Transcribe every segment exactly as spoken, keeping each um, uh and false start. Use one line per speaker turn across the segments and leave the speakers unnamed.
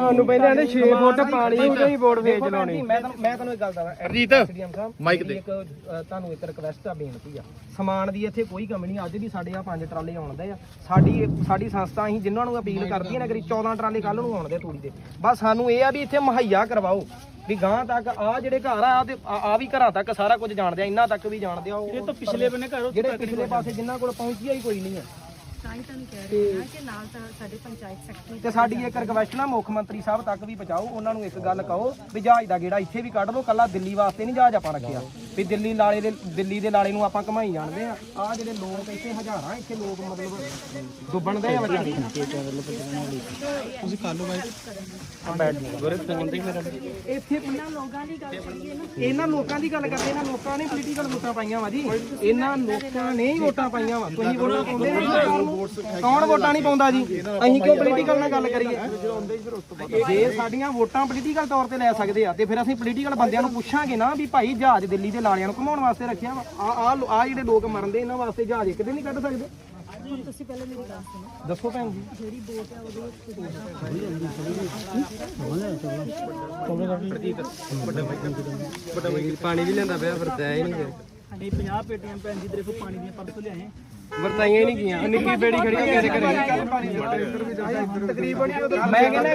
ਸਾਨੂੰ ਪਹਿਲਾਂ ਕਹਿੰਦੇ ਛੇ ਫੁੱਟ ਪਾਣੀ ਉਹਦੇ ਹੀ ਬੋਰਡ ਵੇਚ ਲਾਉਣੀ।
ਮੈਂ ਤੁਹਾਨੂੰ ਮੈਂ ਤੁਹਾਨੂੰ ਇੱਕ ਗੱਲ ਦੱਸਾਂ
ਹਰਜੀਤ ਮਾਈਕ ਤੇ
ਇੱਕ ਤੁਹਾਨੂੰ ਇੱਕ ਰਿਕਵੈਸਟ ਆ, ਬੇਨਤੀ ਆ, ਸਮਾਨ ਦੀ ਇੱਥੇ ਕੋਈ ਕਮੀ ਨਹੀਂ। ਅੱਜ ਵੀ ਸਾਡੇ ਆ ਪੰਜ ਟਰਾਲੇ ਆਉਣਦੇ ਆ। ਸਾਡੀ ਸਾਡੀ ਸੰਸਥਾ ਅਸੀਂ ਜਿਨ੍ਹਾਂ ਨੂੰ ਅਪੀਲ ਕਰਦੀ ਹੈ ਨਾ, ਕਰੀ ਚੌਦਾਂ ਟਰਾਲੇ ਕੱਲ ਨੂੰ ਆਉਣਦੇ ਤੂੜੀ ਦੇ। ਬਸ ਸਾਨੂੰ ਇਹ ਆ ਵੀ ਇੱਥੇ ਮੁਹੱਈਆ ਕਰਵਾਓ ਵੀ ਗਾਂ ਤੱਕ ਆ ਜਿਹੜੇ ਘਰ ਆ ਤੇ ਆ ਵੀ ਘਰਾਂ ਤੱਕ ਸਾਰਾ ਕੁਝ ਜਾਣਦੇ ਆ, ਇਹਨਾਂ ਤੱਕ ਵੀ ਜਾਣਦੇ ਆ। ਉਹ ਪਿਛਲੇ ਬੰਨੇ ਘਰ ਜਿਹੜੇ ਪਿਛਲੇ ਪਾਸੇ ਜਿਨ੍ਹਾਂ ਕੋਲ ਪਹੁੰਚਿਆ ਹੀ ਕੋਈ ਨਹੀਂ ਆ। ਤੇ ਸਾਡੀ ਇੱਕ ਰਿਕਵੈਸਟ ਨਾ ਮੁੱਖ ਮੰਤਰੀ ਸਾਹਿਬ ਤੱਕ ਵੀ ਪਹੁੰਚਾਓ, ਉਹਨਾਂ ਨੂੰ ਇੱਕ ਗੱਲ ਕਹੋ ਵੀ ਜਹਾਜ਼ ਦਾ ਗੇੜਾ ਇੱਥੇ ਵੀ ਕੱਢ ਲਓ। ਕੱਲਾ ਦਿੱਲੀ ਵਾਸਤੇ ਨਹੀਂ ਜਹਾਜ਼ ਆਪਾਂ ਰੱਖਿਆ ਵੀ ਦਿੱਲੀ ਲਾਲੇ ਦੇ ਦਿੱਲੀ ਦੇ ਲਾਲੇ ਨੂੰ ਆਪਾਂ ਘਮਾਈ ਜਾਣਦੇ ਆ। ਆ ਜਿਹੜੇ ਲੋਕ ਇੱਥੇ ਹਜ਼ਾਰਾਂ ਇੱਥੇ ਲੋਕ ਮਤਲਬ ਡੁੱਬਣਦੇ ਆ ਵਿਚਾਰੇ। ਤੁਸੀਂ ਕੱਲ ਨੂੰ ਬਾਈ ਗੁਰੇ ਫੋਨ ਤੇ ਮੇਰਾ ਇੱਥੇ ਇਹਨਾਂ ਲੋਕਾਂ ਦੀ ਗੱਲ ਕਰੀਏ ਨਾ, ਇਹਨਾਂ ਲੋਕਾਂ ਦੀ ਗੱਲ ਕਰਦੇ, ਇਹਨਾਂ ਲੋਕਾਂ ਨੇ ਪੋਲੀਟੀਕਲ ਵੋਟਾਂ ਪਾਈਆਂ ਵਾ ਜੀ। ਇਹਨਾਂ ਲੋਕਾਂ ਨੇ ਹੀ ਵੋਟਾਂ ਪਾਈਆਂ ਵਾ। ਤੁਸੀਂ ਵੋਟਾਂ ਪਾਉਂਦੇ ਨਹੀਂ, ਕੌਣ ਵੋਟਾਂ ਨਹੀਂ ਪਾਉਂਦਾ ਜੀ? ਅਸੀਂ ਕਿਉਂ ਪੋਲੀਟੀਕਲ ਨਾਲ ਗੱਲ ਕਰੀਏ? ਜੇ ਸਾਡੀਆਂ ਵੋਟਾਂ ਪੋਲੀਟੀਕਲ ਤੌਰ ਤੇ ਲੈ ਸਕਦੇ ਆ ਤੇ ਫਿਰ ਅਸੀਂ ਪੋਲੀਟੀਕਲ ਬੰਦਿਆਂ ਨੂੰ ਪੁੱਛਾਂਗੇ ਨਾ ਵੀ ਭਾਈ ਜਹਾਜ਼ ਦਿੱਲੀ ਦੇ ਲਾਲਿਆਂ ਨੂੰ ਘੁਮਾਉਣ ਵਾਸਤੇ ਰੱਖਿਆ ਵਾ। ਆ ਆ ਜਿਹੜੇ ਲੋਕ ਮਰਨਦੇ ਇਹਨਾਂ ਵਾਸਤੇ ਜਹਾਜ਼ ਇੱਕ ਦਿਨ ਨਹੀਂ ਕੱਢ ਸਕਦੇ।
ਹੁਣ ਤੁਸੀਂ ਪਹਿਲਾਂ ਮੇਰੀ ਗੱਲ ਸੁਣੋ,
ਦੱਸੋ ਭੈਣ ਜੀ।
ਜਿਹੜੀ ਬੋਟ ਆ ਉਹਦੇ
ਪਾਣੀ ਵੀ ਲੈਂਦਾ ਪਿਆ, ਵਰਤਾਇਆ ਹੀ ਨਹੀਂ।
ਅਸੀਂ ਪੰਜਾਹ ਪੇਟੀਆਂ ਭੈਣ ਜੀ ਤੇਰੇ ਕੋਲ ਪਾਣੀ ਦੀਆਂ ਪਰਸੋਂ ਲਿਆਏ,
ਵਰਤਾਈਆਂ ਹੀ ਨਹੀਂ ਗਈਆਂ। ਨਿੱਕੀ ਬੇੜੀ ਖੜੀ ਹੋ ਮੇਰੇ ਘਰੇ
ਤਕਰੀਬਨ ਮੈਂ ਕਹਿੰਦਾ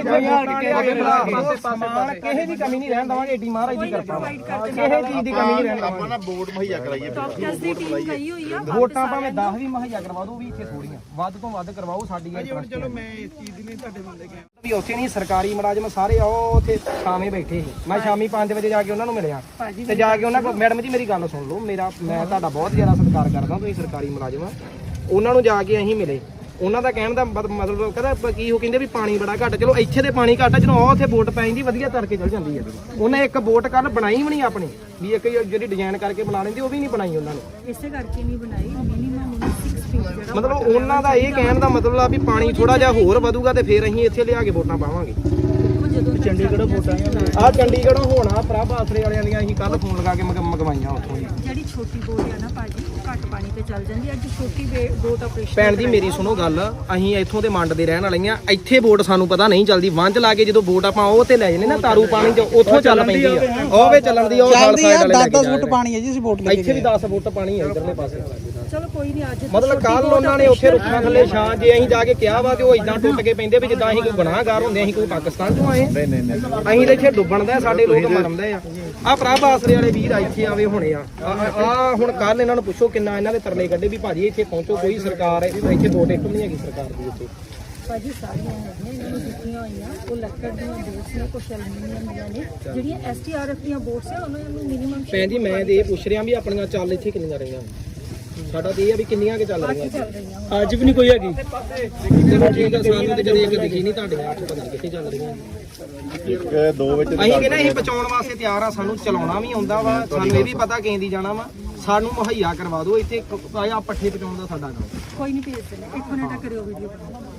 ਇੱਥੇ ਸਮਾਨ ਕਿਸੇ ਦੀ ਕਮੀ ਨਹੀਂ ਰਹਿਣ ਦਵਾਂਗੇ। ਏਡੀ ਮਹਾਰਾਜ ਦੀ ਕਿਰਪਾ ਵਾ, ਕਿਸੇ ਚੀਜ਼ ਦੀ ਕਮੀ ਨਹੀਂ ਰਹਿਣ
ਆਪਾਂ
ਦਵਾਂਗੇ।
ਨਾ ਬੋਰਡ ਮੁਹੱਈਆ ਕਰਾਈਏ।
ਡਾਕਟਰਸ ਦੀ ਟੀਮ ਗਈ ਹੋਈ ਆ।
ਵੋਟਾਂ ਭਾਵੇਂ ਦਸ ਵੀ ਮੁਹੱਈਆ ਕਰਵਾ ਦਿਓ, ਵੀ ਇੱਥੇ ਥੋੜੀਆਂ ਵੱਧ ਤੋਂ ਵੱਧ ਕਰਵਾਓ। ਸਾਡੀ ਇਹ
ਚਲੋ ਮੈਂ ਇਸ ਚੀਜ਼ ਦੀ ਨਹੀਂ ਤੁਹਾਡੇ ਬੰਦੇ ਗਿਆ
ਵੀ ਉੱਥੇ ਨਹੀਂ ਸਰਕਾਰੀ ਮੁਲਾਜ਼ਮ ਸਾਰੇ ਆਓ ਉੱਥੇ ਸ਼ਾਮੇ ਬੈਠੇ ਸੀ। ਮੈਂ ਸ਼ਾਮੀ ਪੰਜ ਵਜੇ ਜਾ ਕੇ ਉਹਨਾਂ ਨੂੰ ਮਿਲਿਆ ਤੇ ਜਾ ਕੇ ਉਹਨਾਂ ਕੋਲ, ਮੈਡਮ ਜੀ ਮੇਰੀ ਗੱਲ ਸੁਣ ਲਓ, ਮੇਰਾ ਮੈਂ ਤੁਹਾਡਾ ਬਹੁਤ ਜ਼ਿਆਦਾ ਸਤਿਕਾਰ ਕਰਦਾ, ਤੁਸੀਂ ਸਰਕਾਰੀ ਮੁਲਾਜ਼ਮ ਆ। ਉਹਨਾਂ ਨੂੰ ਜਾ ਕੇ ਅਸੀਂ ਮਿਲੇ, ਉਹਨਾਂ ਦਾ ਕਹਿਣ ਦਾ ਮਤਲਬ ਕਹਿੰਦਾ ਕੀ ਉਹ ਕਹਿੰਦੇ ਵੀ ਪਾਣੀ ਬੜਾ ਘੱਟ। ਚਲੋ ਇੱਥੇ ਤੇ ਪਾਣੀ ਘੱਟ ਆ, ਜਦੋਂ ਉੱਥੇ ਵੋਟ ਪੈ ਜਾਂਦੀ ਵਧੀਆ ਤਰ ਕੇ ਚਲ ਜਾਂਦੀ ਹੈ। ਉਹਨੇ ਇੱਕ ਵੋਟ ਕੱਲ ਬਣਾਈ ਵੀ ਨਹੀਂ ਆਪਣੀ, ਵੀ ਇੱਕ ਜਿਹੜੀ ਡਿਜ਼ਾਈਨ ਕਰਕੇ ਬਣਾ ਲੈਂਦੀ ਉਹ ਵੀ ਨਹੀਂ ਬਣਾਈ ਉਹਨਾਂ ਨੇ।
ਇਸੇ ਕਰਕੇ ਨਹੀਂ ਬਣਾਈ। ਮਿਨੀਮਮ ਉਹਨੂੰ ਛੇ ਫੀਟ ਜਿਹੜਾ
ਮਤਲਬ ਉਹਨਾਂ ਦਾ ਇਹ ਕਹਿਣ ਦਾ ਮਤਲਬ ਆ ਵੀ ਪਾਣੀ ਥੋੜਾ ਜਿਹਾ ਹੋਰ ਵਧੂਗਾ ਤੇ ਫਿਰ ਅਸੀਂ ਇੱਥੇ ਲਿਆ ਕੇ ਵੋਟਾਂ ਪਾਵਾਂਗੇ।
ਜਦੋਂ
ਚੰਡੀਗੜ੍ਹ ਵੋਟਾਂ
ਆ ਚੰਡੀਗੜ੍ਹੋਂ ਹੋਣਾ ਪ੍ਰਭ ਆਸਰੇ ਵਾਲਿਆਂ ਦੀਆਂ ਅਸੀਂ ਕੱਲ ਫੋਨ ਲਗਾ ਕੇ ਮੰਗਵਾਈਆਂ ਉੱਥੋਂ ਹੀ।
ਜਿਹੜੀ ਛੋਟੀ ਬੋਟ ਆ ਨਾ ਭਾਜੀ, ਉਹ ਘੱਟ ਪਾਣੀ ਤੇ ਚੱਲ ਜਾਂਦੀ। ਅੱਜ ਛੋਟੀ ਬੋਟ ਆਪਰੇਸ਼ਨ
ਭੈਣ ਜੀ ਮੇਰੀ ਸੁਣੋ ਗੱਲ, ਅਸੀਂ ਇੱਥੋਂ ਦੇ ਮੰਡ ਦੇ ਰਹਿਣ ਵਾਲੀਆਂ। ਇੱਥੇ ਬੋਟ ਸਾਨੂੰ ਪਤਾ ਨਹੀਂ ਚੱਲਦੀ, ਵੰਜ ਲਾ ਕੇ ਜਦੋਂ ਬੋਟ ਆਪਾਂ ਉਹ ਤੇ ਲੈ ਜਾਂਦੇ ਨਾ ਤਾਰੂ ਪਾਣੀ ਚ, ਉੱਥੋਂ ਚੱਲ ਪੈਂਦੀ ਆ। ਉਹ ਵੇ ਚੱਲਣ ਦੀ ਉਹ ਨਾਲ ਸਾਈਡ ਵਾਲੇ ਲੈ ਕੇ
ਦਸ ਫੁੱਟ ਪਾਣੀ ਹੈ ਜੀ ਅਸੀਂ ਵੋਟ ਲੈ
ਇੱਥੇ ਵੀ ਦਸ ਫੁੱਟ ਪਾਣੀ ਹੈ ਇਧਰਲੇ ਪਾਸੇ।
ਚਲੋ ਕੋਈ ਨਹੀਂ। ਅੱਜ
ਮਤਲਬ ਕੱਲ ਉਹਨਾਂ ਨੇ ਉੱਥੇ ਰੁੱਖਾਂ ਥੱਲੇ ਛਾਂ ਜੇ ਅਸੀਂ ਜਾ ਕੇ ਕਿਹਾ ਵਾ ਤੇ ਉਹ ਇਦਾਂ ਟੁੱਟ ਕੇ ਪੈਂਦੇ ਵੀ ਜਿੱਦਾਂ ਅਸੀਂ ਕੋਈ ਗੁਨਾਹਗਾਰ ਹੁੰਦੇ, ਅਸੀਂ ਕੋਈ ਪਾਕਿਸਤਾਨ ਚੋਂ ਆਏ।
ਨਹੀਂ ਨਹੀਂ ਨਹੀਂ
ਅਸੀਂ ਤਾਂ ਇੱਥੇ ਡੁੱਬਣ ਦਾ, ਸਾਡੇ ਲੋਕ ਮਰਨਦੇ ਆ। ਆ ਪ੍ਰਭ ਆਸਰੇ ਵਾਲੇ ਵੀਰ ਇੱਥੇ ਆਵੇ ਹੋਣੇ ਆ। ਆ ਹੁਣ ਕੱਲ ਇਹਨਾਂ ਨੂੰ ਪੁੱਛੋ ਕਿੰਨਾ ਇਹਨਾਂ ਦੇ ਤਰਲੇ ਕੱਢੇ ਵੀ ਭਾਜੀ ਇੱਥੇ ਪਹੁੰਚੋ, ਕੋਈ ਸਰਕਾਰ ਇੱਥੇ ਦੋ ਟਿਕਟ ਨਹੀਂ ਹੈਗੀ ਸਰਕਾਰ ਦੀ ਇੱਥੇ।
ਭਾਜੀ ਸਾਰੀਆਂ ਹੈਗੀਆਂ, ਇਹਨਾਂ ਨੂੰ ਦਿੱਤੀਆਂ ਹੋਈਆਂ। ਉਹ ਲੱਕੜ ਦੀਆਂ ਬੋਟਸ ਨੇ, ਕੁਛ ਐਲੂਮੀਨੀਅਮ ਦੀਆਂ ਨੇ। ਜਿਹੜੀਆਂ ਐਸ ਟੀ ਆਰ ਐਫ ਦੀਆਂ ਬੋਟਸ ਆ ਉਹਨਾਂ ਨੂੰ ਮਿਨੀਮਮ।
ਭੈਣ ਜੀ ਮੈਂ ਤੇ ਇਹ ਪੁੱਛ ਰਿਹਾ ਵੀ ਆਪਣੀਆਂ ਚੱਲ ਇੱਥੇ ਕਿੰਨੀਆਂ ਰਹੀਆਂ? ਸਾਡਾ ਤੇ ਇਹ ਆ ਵੀ ਕਿੰਨੀਆਂ ਕਿ ਚੱਲ ਰਹੀਆਂ
ਚੱਲ ਰਹੀਆਂ।
ਅੱਜ ਵੀ ਨਹੀਂ ਕੋਈ ਹੈਗੀ।
ਚਲੋ ਠੀਕ ਆ, ਸਾਨੂੰ ਤੇ ਜਦੋਂ ਇੱਕ ਦਿਖੀ ਨਹੀਂ ਤੁਹਾਡੇ ਅੱਠ ਪਤਾ ਨਹੀਂ ਕਿੱਥੇ ਚੱਲ ਰਹੀਆਂ।
ਇੱਕ ਦੋ ਵਿੱਚ
ਅਸੀਂ ਕਹਿੰਦੇ ਅਸੀਂ ਬਚਾਉਣ ਵਾਸਤੇ ਤਿਆਰ ਆ, ਸਾਨੂੰ ਚਲਾਉਣਾ ਵੀ ਆਉਂਦਾ ਵਾ, ਸਾਨੂੰ ਇਹ ਵੀ ਪਤਾ ਕਿੰਦੀ ਜਾਣਾ ਵਾ। ਸਾਨੂੰ ਮੁਹੱਈਆ ਕਰਵਾ ਦਿਓ ਇੱਥੇ ਆ ਪੱਠੇ ਪਹੁੰਚਾਉਣ ਦਾ ਸਾਡਾ ਕੰਮ।
ਕੋਈ ਨਹੀਂ ਭੇਜ ਦੇਣਾ। ਇੱਕ ਮਿੰਟ ਕਰਿਓ ਵੀਡੀਓ।